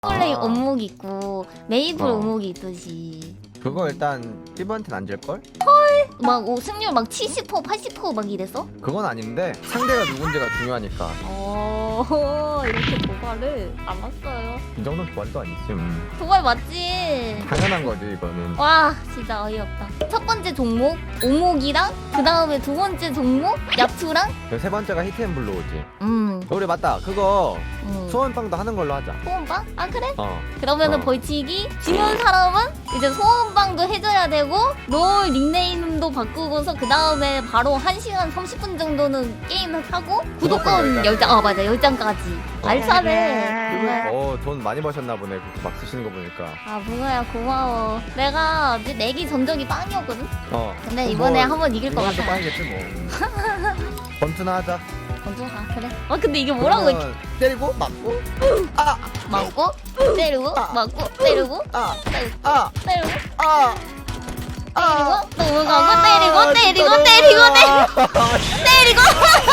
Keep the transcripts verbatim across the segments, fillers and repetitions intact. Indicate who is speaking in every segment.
Speaker 1: 플레이
Speaker 2: 아.
Speaker 1: 원목 있고 메이플
Speaker 2: 어.
Speaker 1: 원목이 있듯이
Speaker 2: 그거 일단 피부한테는 안 줄걸?
Speaker 1: 막 오, 승률 막 칠십 퍼센트 팔십 퍼센트 막 이랬어?
Speaker 2: 그건 아닌데 상대가 누군지가 중요하니까.
Speaker 1: 어 이렇게 도발을 알았어요.
Speaker 2: 이 정도는 도발도 아니지. 음.
Speaker 1: 도발 맞지?
Speaker 2: 당연한 거지 이거는.
Speaker 1: 와 진짜 어이없다. 첫 번째 종목 오목이랑 그 다음에 두 번째 종목 야투랑
Speaker 2: 그세 번째가 히트앤블로우지.
Speaker 1: 음,
Speaker 2: 우리 맞다. 그거
Speaker 1: 음.
Speaker 2: 소원빵도 하는 걸로 하자.
Speaker 1: 소원빵? 아 그래?
Speaker 2: 어.
Speaker 1: 그러면은
Speaker 2: 어.
Speaker 1: 벌칙이 지는 사람은 이제 소원빵도 해줘야 되고 롤 닉네임도 바꾸고서 그 다음에 바로 한 시간 삼십 분 정도는 게임을 하고 구독권
Speaker 2: 구독권
Speaker 1: 열 장, 아 맞아 열 장까지 알차네. 뭐야.
Speaker 2: 어, 돈 많이 버셨나 보네. 그렇게 막 쓰시는 거 보니까.
Speaker 1: 아 뭐야 고마워. 내가 이제 내기 전적이 빵이었거든?
Speaker 2: 어.
Speaker 1: 근데
Speaker 2: 그럼
Speaker 1: 이번에
Speaker 2: 뭐
Speaker 1: 한번 이길 것
Speaker 2: 이번에도
Speaker 1: 같아.
Speaker 2: 빵이겠지 뭐. 번투나 하자.
Speaker 1: 먼저 가 그래. 아 근데 이게 뭐라고 이렇게
Speaker 2: 그러면 때리고 맞고. 아,
Speaker 1: 맞고 때리고
Speaker 2: 아.
Speaker 1: 맞고 때리고
Speaker 2: 아,
Speaker 1: 때리고
Speaker 2: 아,
Speaker 1: 때리고
Speaker 2: 아.
Speaker 1: 때리고 넘어가고 때리고 때리고 때리고 때리고 때리고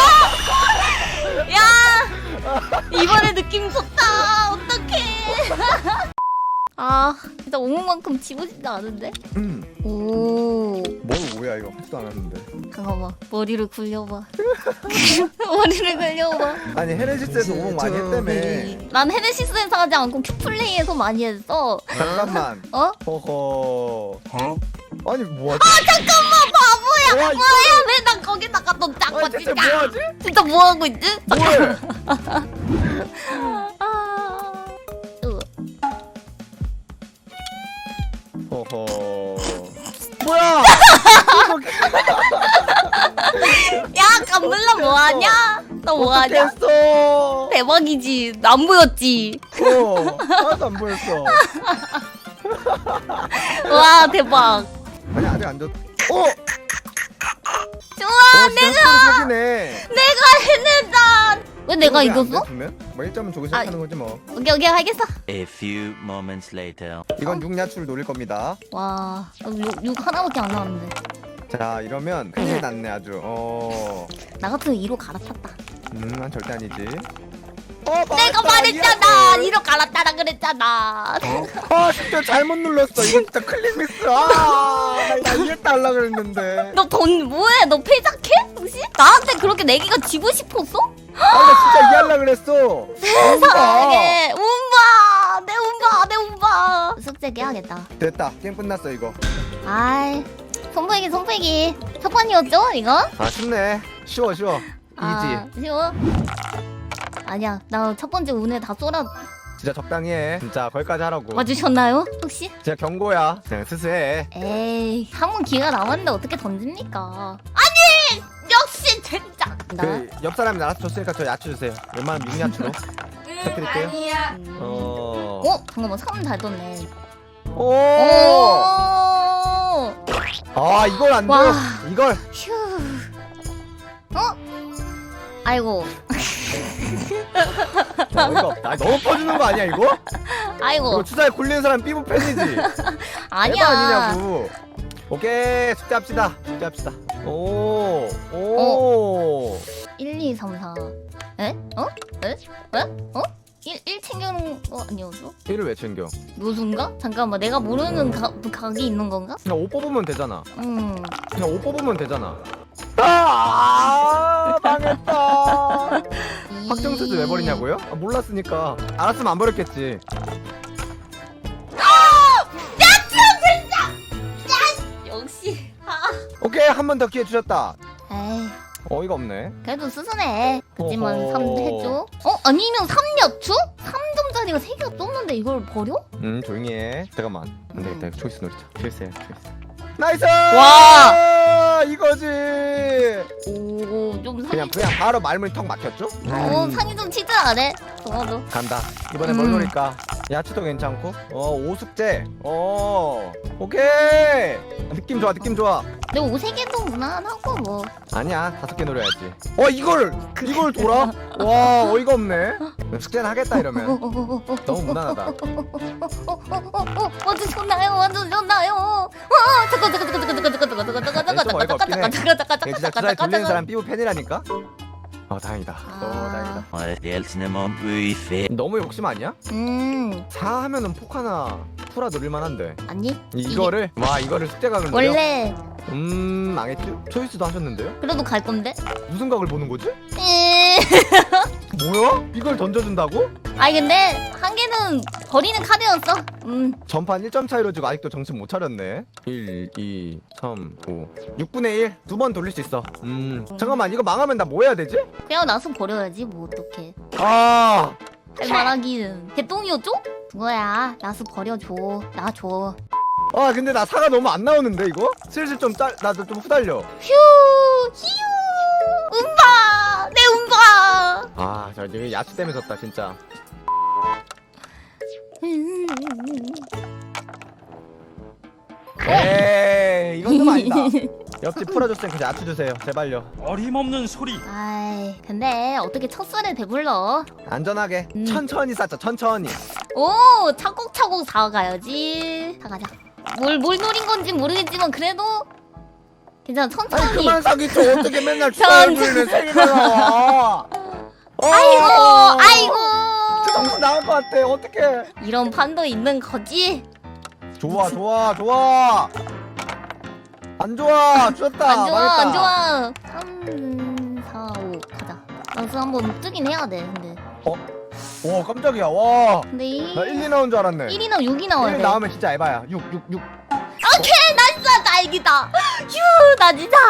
Speaker 1: 야 이번에 느낌 좋다. 어떡해. 아 진짜 오목만큼 지고 싶지 않은데.
Speaker 2: 음.
Speaker 1: 오
Speaker 2: 뭘 뭐야 이거 하지도 않았는데.
Speaker 1: 잠깐만 머리를 굴려봐. 머리를 굴려봐.
Speaker 2: 아니 헤네시스에서 오목 많이 했다며.
Speaker 1: 난 헤네시스에서 하지 않고 큐플레이에서 많이 했어.
Speaker 2: 잠깐만.
Speaker 1: 어?
Speaker 2: 허허. 아니 뭐하지?
Speaker 1: 아 잠깐만 바보야.
Speaker 2: 와,
Speaker 1: 뭐야 왜 난 거기다가 너 ጫ고
Speaker 2: 아니 대체
Speaker 1: 진짜.
Speaker 2: 뭐하지?
Speaker 1: 진짜 뭐 하고 있지?
Speaker 2: 뭐해?
Speaker 1: 아. 으.
Speaker 2: 허허. 뭐야?
Speaker 1: 야 깜블라 뭐하냐? 너 뭐하냐?
Speaker 2: 했어?
Speaker 1: 대박이지. 안 보였지?
Speaker 2: 어. 하나도 안 보였어.
Speaker 1: 와 대박.
Speaker 2: 아니 아직 안 줬. 어.
Speaker 1: 좋아
Speaker 2: 어,
Speaker 1: 내가
Speaker 2: 사기네.
Speaker 1: 내가 해냈다. 왜 내가 이겼어?
Speaker 2: 뭐 일 점은 조금
Speaker 1: 아.
Speaker 2: 시작하는 거지 뭐.
Speaker 1: 오케이 오케이 알겠어.
Speaker 3: A few moments later.
Speaker 2: 이건 육야추를 노릴 겁니다.
Speaker 1: 와 육, 육 하나밖에 안 나왔는데.
Speaker 2: 자 이러면 큰일 났네 아주. 어.
Speaker 1: 나 같으면 이로 갈아탔다.
Speaker 2: 음, 난 절대 아니지. 어,
Speaker 1: 내가
Speaker 2: 맞다,
Speaker 1: 말했잖아.
Speaker 2: 이해할
Speaker 1: 이로 갈아타라 그랬잖아.
Speaker 2: 걸. 아, 진짜 잘못 눌렀어. 이거 진짜 클릭 미스. 아, 나 이해했다 하려 그랬는데.
Speaker 1: 너 돈 뭐해? 너 패작해? 혹시? 나한테 그렇게 내기가 지고 싶었어?
Speaker 2: 아, 나 진짜 이해하려 그랬어.
Speaker 1: 세상에 운바 내 운바 내 운바 숙제 깨야겠다.
Speaker 2: 됐다. 게임 끝났어 이거.
Speaker 1: 아이 손보이기 손보이기 첫 판이었죠 이거?
Speaker 2: 아, 쉽네. 쉬워, 쉬워.
Speaker 1: 아,
Speaker 2: 이지.
Speaker 1: 쉬워? 아니야 나 첫 번째 운에 다 쏠아
Speaker 2: 진짜 적당히 해. 진짜 거기까지 하라고.
Speaker 1: 맞으셨나요 혹시?
Speaker 2: 진짜 경고야. 그냥 스스해.
Speaker 1: 에이 한 번 기회가 남았는데 어떻게 던집니까? 아니 역시 진짜 나
Speaker 2: 그 옆 사람이 나라서 줬으니까 저 야채 주세요. 웬만하면 육야채로. 부탁드릴게요. 어.
Speaker 1: 어? 잠깐만 삼 잘 떴네.
Speaker 2: 오.
Speaker 1: 오.
Speaker 2: 아, 이걸 안 줘.
Speaker 1: 와.
Speaker 2: 이걸.
Speaker 1: 휴. 어? 아이고.
Speaker 2: 어이가 없다. 아, 너무 퍼주는 거 아니야 이거? 이거
Speaker 1: 아이고.
Speaker 2: 주사에 굴리는 사람 삐부 팬이지. 에바
Speaker 1: 아니야.
Speaker 2: 아니냐고. 오케이 숙제합시다. 숙제합시다. 오. 오.
Speaker 1: 일, 이, 삼, 사. 에? 어? 에? 에? 어? 일, 일 챙겨놓은 거 아니었어?
Speaker 2: 일을 왜 챙겨?
Speaker 1: 묘수인가? 잠깐만 내가 모르는 가, 각이 있는 건가?
Speaker 2: 그냥 옷 뽑으면 되잖아.
Speaker 1: 음.
Speaker 2: 그냥 옷 뽑으면 되잖아. 아, 망했다. 확정수도 왜 버리냐고요? 아, 몰랐으니까. 알았으면 안 버렸겠지.
Speaker 1: 역시. 아.
Speaker 2: 오케이 한 번 더 기회 주셨다.
Speaker 1: 에이.
Speaker 2: 어이가 없네.
Speaker 1: 그래도 스스네. 그지만
Speaker 2: 어허.
Speaker 1: 삼 해줘. 어? 아니면 삼 야추? 삼 점짜리가 세 개가 떴는데 이걸 버려?
Speaker 2: 음 조용히 해. 잠깐만. 안 되겠다. 이거 초이스 노리자. 초이스해. 초이스. 나이스!
Speaker 1: 와!
Speaker 2: 이거지.
Speaker 1: 오, 좀 상이
Speaker 2: 그냥 그냥 바로 말문이 턱 막혔죠?
Speaker 1: 어,
Speaker 2: 음,
Speaker 1: 상이 좀 치즈 안 해? 동아도.
Speaker 2: 간다. 이번에
Speaker 1: 음.
Speaker 2: 뭘 노릴까? 야채도 괜찮고. 어 오숙제. 어 오케이. 느낌 좋아. 느낌 좋아.
Speaker 1: 근데 오세 개도 무난하고 뭐.
Speaker 2: 아니야 다섯 개 노려야지. 어 이걸 이걸 돌아? 와 어이가 없네. 숙제는 하겠다 이러면. 너무 무난하다.
Speaker 1: 완전 좋나요? 완전 좋나요? 와, 잠깐 잠깐 잠깐 잠깐 잠깐 잠깐 잠깐 잠깐 잠깐
Speaker 2: 좀 어이가 없긴 해.
Speaker 1: 잠깐 잠깐 잠깐
Speaker 2: 얘 진짜 주사에 돌리는 사람 삐부 팬이라니까. 아 다행이다.
Speaker 1: 아.
Speaker 2: 어 다행이다.
Speaker 3: On est réellement buffet.
Speaker 2: 너무 욕심 아니야?
Speaker 1: 음
Speaker 2: 사 하면은 폭 하나 풀어 노릴 만한데.
Speaker 1: 아니
Speaker 2: 이거를 와 이거를 숙제각을 노려?
Speaker 1: 원래
Speaker 2: 음 망했죠? 초이스도 하셨는데요?
Speaker 1: 그래도 갈 건데.
Speaker 2: 무슨 각을 보는 거지?
Speaker 1: 에...
Speaker 2: 뭐야? 이걸 던져준다고?
Speaker 1: 아니 근데 한 개는 버리는 카드였어. 음
Speaker 2: 전판 일 점 차이로 지고 아직도 정신 못 차렸네. 일, 이, 삼, 오 육분의 일 두 번 돌릴 수 있어. 음 잠깐만 이거 망하면 나 뭐 해야 되지?
Speaker 1: 그냥 나서 버려야지 뭐 어떡해.
Speaker 2: 아
Speaker 1: 할만하기는 개똥이었죠? 그거야 나서 버려줘. 나 줘.
Speaker 2: 아 근데 나 사가 너무 안 나오는데 이거? 슬슬 좀 짤, 나도 좀 후달려.
Speaker 1: 휴 휴 음바 내 음바.
Speaker 2: 아, 저 지금 야채 때문에 졌다 진짜. 에이, 이건 좀 아니다. 옆집 풀어줬으니까 야채 주세요, 제발요.
Speaker 4: 어림없는 소리.
Speaker 1: 아이 근데 어떻게 첫 술에 배불러?
Speaker 2: 안전하게,
Speaker 1: 음.
Speaker 2: 천천히 쌓자, 천천히.
Speaker 1: 오 차곡차곡 사가야지. 사가자. 뭘 뭘 노린 건지 모르겠지만 그래도 괜찮아
Speaker 2: 아니
Speaker 1: 천천히.
Speaker 2: 그만 사기쳐. 어떻게 맨날
Speaker 1: 전-
Speaker 2: 주사위를 세 개나 나와? 어,
Speaker 1: 아이고 아이고.
Speaker 2: 진짜 정신 나갈 것 같아. 어떡해?
Speaker 1: 이런 판도 있는 거지.
Speaker 2: 좋아, 좋아, 좋아. 안 좋아, 죽었다.
Speaker 1: 안 좋아
Speaker 2: 망했다.
Speaker 1: 안 좋아. 삼, 사, 오 가자. 나도 한번 뜨긴 해야 돼 근데.
Speaker 2: 와, 깜짝이야. 와,
Speaker 1: 근데 이
Speaker 2: 나 일, 이 나온 줄 알았네.
Speaker 1: 일이나 육이 나와야
Speaker 2: 일
Speaker 1: 돼.
Speaker 2: 나오면 진짜 에바야. 육, 육, 육.
Speaker 1: 오케이 나이스 다행이다. 휴나 진짜.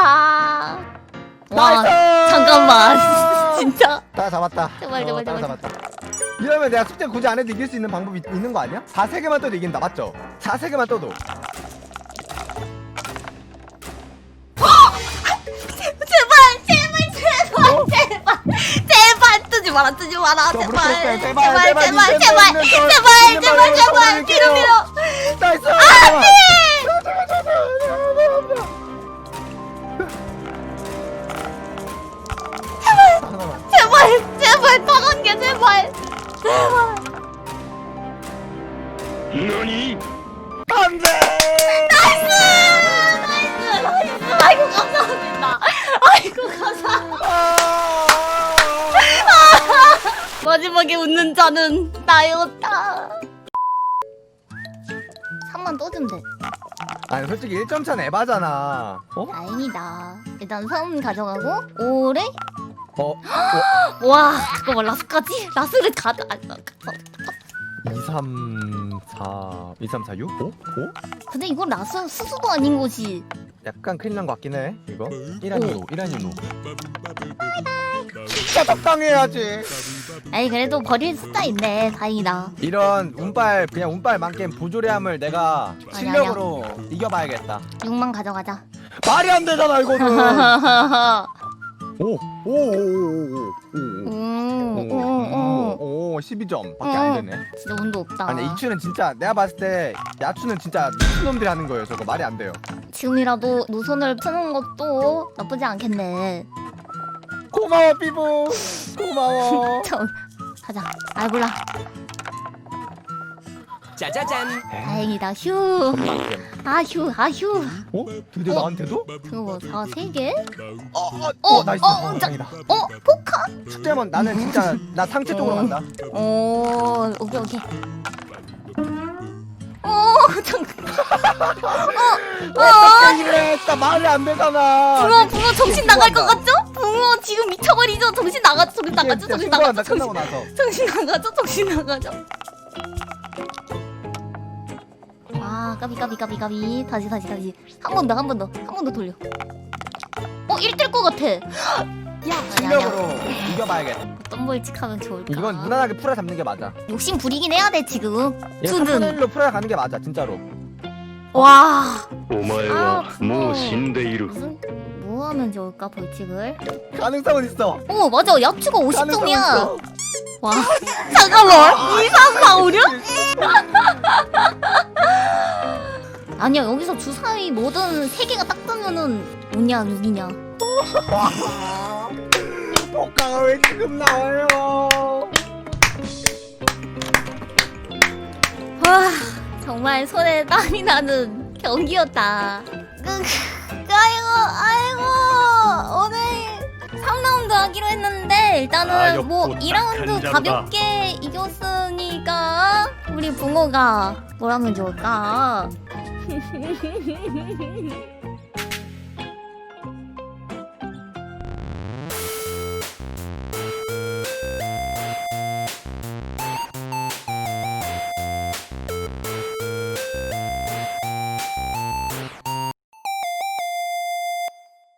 Speaker 1: 와
Speaker 2: 나이스!
Speaker 1: 잠깐만 진짜.
Speaker 2: 다 잡았다.
Speaker 1: 제발,
Speaker 2: 어,
Speaker 1: 제발,
Speaker 2: 다
Speaker 1: 제발.
Speaker 2: 잡았다. 이러면 내가 숙제 굳이 안 해도 이길 수 있는 방법이 있- 있는 거 아니야? 사 세 개만 떠도 이긴다, 맞죠? 사 세 개만 떠도.
Speaker 1: 제발 제발 제발
Speaker 2: 어?
Speaker 1: 제발 제발 뜨지 마라 뜨지 마라
Speaker 2: 저
Speaker 1: 제발
Speaker 2: 무릎 꿇을게요.
Speaker 1: 제발
Speaker 2: 제발,
Speaker 1: 제발
Speaker 2: 제발,
Speaker 1: 제발
Speaker 2: 제발,
Speaker 1: 제발
Speaker 2: 제발,
Speaker 1: 제발
Speaker 2: 제발,
Speaker 1: 제발
Speaker 2: 제발,
Speaker 1: 밀어 밀어.
Speaker 2: 나이스! 하나만.
Speaker 1: 제발 제발 다간 게 제발 제발.
Speaker 2: 안 돼!
Speaker 1: 나이스 나이스. 아이고 감사합니다. 아이고 감사.
Speaker 2: 아!
Speaker 1: 마지막에 웃는 자는 나였다. 삼만 떠주면 돼.
Speaker 2: 아니 솔직히 일 점 차는 에바잖아. 어?
Speaker 1: 다행이다. 일단 삼 가져가고 오래.
Speaker 2: 어?
Speaker 1: 와 잠깐만 라스까지? 라스를 가져. 아, 아, 아.
Speaker 2: 이, 삼, 사, 이, 삼, 사, 육? 오? 오?
Speaker 1: 근데 이거 라스 수수도 아닌 것이.
Speaker 2: 약간 큰일 난 것 같긴 해. 이거? 일 아니노, 일 아니노. 진짜 적당해야지.
Speaker 1: 아니 그래도 버릴 숫자 있네. 다행이다.
Speaker 2: 이런 운빨 그냥 운빨 만겜 부조리함을 내가
Speaker 1: 아니,
Speaker 2: 실력으로 이겨봐야겠다.
Speaker 1: 육만 가져가자.
Speaker 2: 말이 안 되잖아 이거는.
Speaker 1: 음,
Speaker 2: 오오오오오오오오 십이 점밖에 안 되네.
Speaker 1: 진짜 운도 없다.
Speaker 2: 아니 이추는 진짜 내가 봤을 때 야추는 진짜 미친 놈들이 하는 거예요. 저거 말이 안 돼요.
Speaker 1: 지금이라도 노선을 푸는 것도 나쁘지 않겠네.
Speaker 2: 고마워 삐부. 고마워.
Speaker 1: 저 가자. 아 몰라.
Speaker 4: 짜자잔.
Speaker 1: 다행이다. 휴.
Speaker 2: 만겜.
Speaker 1: 아휴 아휴.
Speaker 2: 어? 드디어
Speaker 1: 어?
Speaker 2: 나한테도?
Speaker 1: 그거 뭐 사 세 개?
Speaker 2: 어, 어,
Speaker 1: 어,
Speaker 2: 어, 나이스.
Speaker 1: 어,
Speaker 2: 어,
Speaker 1: 자-
Speaker 2: 다행이다.
Speaker 1: 어 포카?
Speaker 2: 숙제면 나는 진짜 나 상체 쪽으로
Speaker 1: 어.
Speaker 2: 간다.
Speaker 1: 오 오케이 오케이. 오 잠깐.
Speaker 2: 어떻게 이래? 진짜 말이 안 되잖아.
Speaker 1: 붕어 붕어 정신 나갈 것
Speaker 2: 신고한다.
Speaker 1: 같죠? 붕어 지금 미쳐버리죠? 정신 나가죠? 정신
Speaker 2: 이제
Speaker 1: 나가죠?
Speaker 2: 진짜
Speaker 1: 정신
Speaker 2: 신고한다.
Speaker 1: 나가죠?
Speaker 2: 끝나고
Speaker 1: 정신,
Speaker 2: 나서.
Speaker 1: 정신 나가죠? 정신 나가죠? 아 까비 까비 까비 까비 다시 다시 다시 한 번 더 한 번 더 한 번 더 돌려. 어 일 될 것 같아. 야
Speaker 2: 실력으로 이겨봐야겠다.
Speaker 1: 어떤 벌칙하면 좋을까?
Speaker 2: 이건 무난하게 풀어 잡는 게 맞아.
Speaker 1: 욕심 부리긴 해야 돼 지금.
Speaker 2: 이거
Speaker 1: 수는.
Speaker 2: 삼분의 일로 풀어 가는 게 맞아 진짜로.
Speaker 1: 와
Speaker 5: お前はもう死んでいる。
Speaker 1: 무슨 뭐 하면 좋을까 벌칙을?
Speaker 2: 가능성은 있어.
Speaker 1: 어 맞아 야추가 오십
Speaker 2: 가능성은
Speaker 1: 점이야.
Speaker 2: 있어.
Speaker 1: 와 잠깐만 이, 삼, 사, 오, 육? 아니야 여기서 주사위 뭐든 세 개가 딱 뜨면은 오냐 육이냐.
Speaker 2: 와. 복가가 왜 지금 나와요?
Speaker 1: 와 정말 손에 땀이 나는 경기였다. 그, 그, 아이고 아이고 오늘 삼 라운드 하기로 했는데 일단은
Speaker 5: 가볍고
Speaker 1: 뭐 이 라운드
Speaker 5: 딱한 자루다.
Speaker 1: 가볍게 이겼으니까 우리 붕어가 뭘 하면 좋을까?